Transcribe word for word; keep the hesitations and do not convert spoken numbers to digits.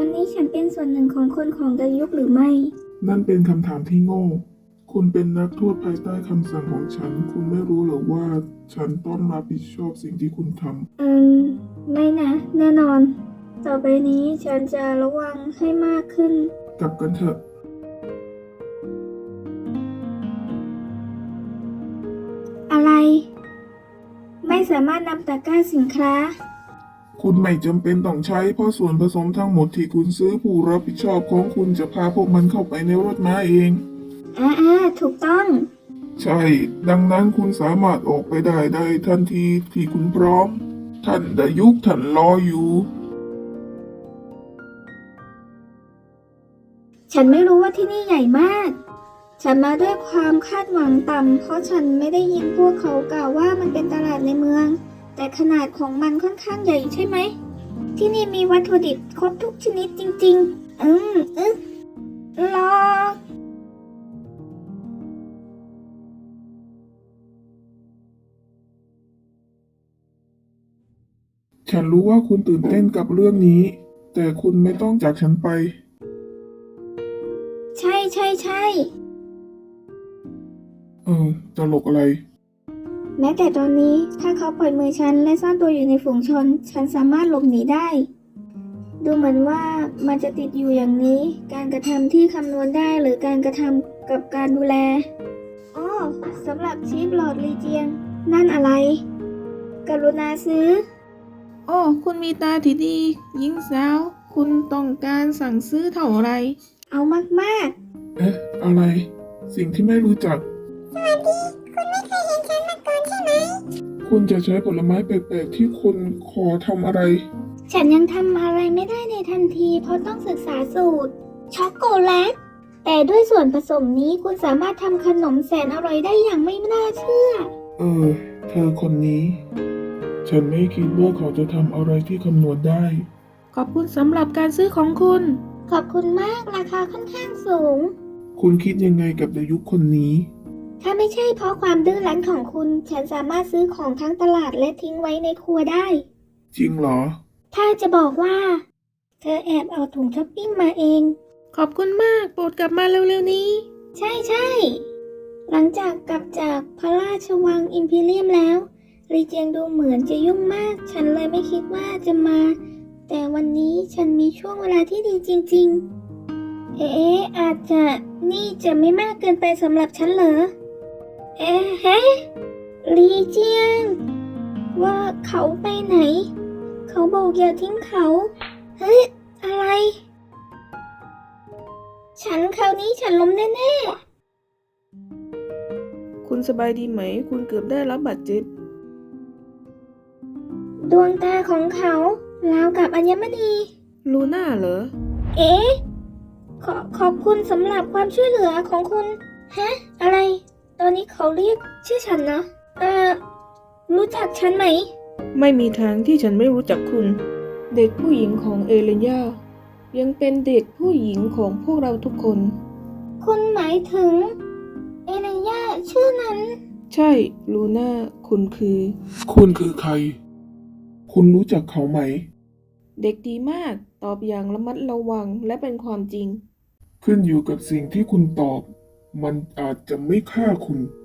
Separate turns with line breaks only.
อนนี้ฉันเป็นส่วนหนึ่งของคนของดายุคหรือไม่
นั่นเป็นคำถามที่โง่ คุณเป็นนักโทษภายใต้คำสั่งของฉัน คุณไม่รู้หรือว่าฉันต้องรับผิดชอบสิ่งที่คุณท
ำอืมไม่นะ แน่นอน ต่อไปนี้ฉันจะระวังให้มากขึ้น
กลับกันเถอะ
อะไร ไม่สามารถนำตะกร้าสินค้า
คุณไม่จำเป็นต้องใช้เพราะส่วนผสมทั้งหมดที่คุณซื้อผู้รับผิดชอบของคุณจะพาพวกมันเข้าไปในรถม้าเอง
อ่าอ่าถูกต้อง
ใช่ ดังนั้นคุณสามารถออกไปได้ได้ทันทีที่คุณพร้อม ท่านดายุคท่านรออยู่
ฉันไม่รู้ว่าที่นี่ใหญ่มาก ฉันมาด้วยความคาดหวังต่ำเพราะฉันไม่ได้ยินพวกเขากล่าวว่ามันเป็นตลาดในเมือง แต่ขนาดของมันค่อนข้างใหญ่ใช่ไหม ที่นี่มีวัตถุดิบครบทุกชนิดจริงๆ อืมอึ๊รอ
ฉันรู้ว่าคุณตื่นเต้นกับเรื่องนี้ แต่คุณไม่ต้องจากฉันไป
ใช่ใช่ใช่
เออตลกอะไร
แม้แต่ตอนนี้ถ้าเขาปล่อยมือฉันและซ่อนตัวอยู่ในฝูงชน ฉันสามารถหลบหนีได้ ดูเหมือนว่ามันจะติดอยู่อย่างนี้ การกระทำที่คำนวณได้หรือการกระทำกับการดูแลอ้อสำหรับชีฟหลอดลีเจียง นั่นอะไร กรุณาซื้อ
โอ้ คุณมีตาที่ดี หญิงสาว คุณต้องการสั่งซื้อเท่าไหร
เอามาก
เอ๊ะ อะไร สิ่งที่ไม่รู้จัก
ๆ สวัสดี คุณไม่เคยเห็นฉันมาก่อนใช่ไหม
คุณจะใช้ผลไม้แปลกๆที่คุณขอทำอะไร
ฉันยังทำอะไรไม่ได้ในทันทีเพราะต้องศึกษาสูตร ช็อกโกแลต แต่ด้วยส่วนผสมนี้คุณสามารถทำขนมแสนอร่อยได้อย่างไม่น่าเชื่อ
เออ เธอคนนี้ ฉันไม่คิดว่าเขาจะทำอะไรที่คำนวณได้
ขอบคุณสำหรับการซื้อของคุณ
ขอบคุณมากราคาค่อนข้างสูง
คุณคิดยังไงกับดายุคคนนี้
ถ้าไม่ใช่เพราะความดื้อรั้นของคุณ ฉันสามารถซื้อของทั้งตลาดและทิ้งไว้ในครัวได้
จริงเหรอ
ถ้าจะบอกว่า เธอแอบเอาถุงช้อปปิ้งมาเอง
ขอบคุณมาก โปรดกลับมาเร็วๆนี้
ใช่ใช่หลังจากกลับจากพระราชวังอิมพีเรียมแล้วลีเจียงดูเหมือนจะยุ่งมาก ฉันเลยไม่คิดว่าจะมา แต่วันนี้ฉันมีช่วงเวลาที่ดีจริงๆ เอ๊ะอาจจะนี่จะไม่มากเกินไปสำหรับฉันเหรอ เอ๊ะฮะลีเจียง ว่าเขาไปไหน เขาบอกอย่าทิ้งเขา เฮ้ย อะไร ฉันคราวนี้ฉันล้มแน่ๆ
คุณสบายดีไหม คุณเกือบได้รับบาดเจ็บ
ดวงตาของเขาราวกับอัญมณี
ลูน่าเหรอ
เอ๊ะขอขอบคุณสำหรับความช่วยเหลือของคุณ ฮะ อะไร ตอนนี้เขาเรียกชื่อฉันนะ เอ่อ รู้จักฉันไหม
ไม่มีทางที่ฉันไม่รู้จักคุณ เด็กผู้หญิงของเอเลนยายังเป็นเด็กผู้หญิงของพวกเราทุกคน
คุณหมายถึง เอเนย่าชื่อนั้น
ใช่ ลูน่า คุณคือ
คุณคือใคร คุณรู้จักเขาไหม
เด็กดีมาก ตอบอย่างระมัดระวังและเป็นความจริง
ขึ้นอยู่กับสิ่งที่คุณตอบ มันอาจจะไม่ฆ่าคุณ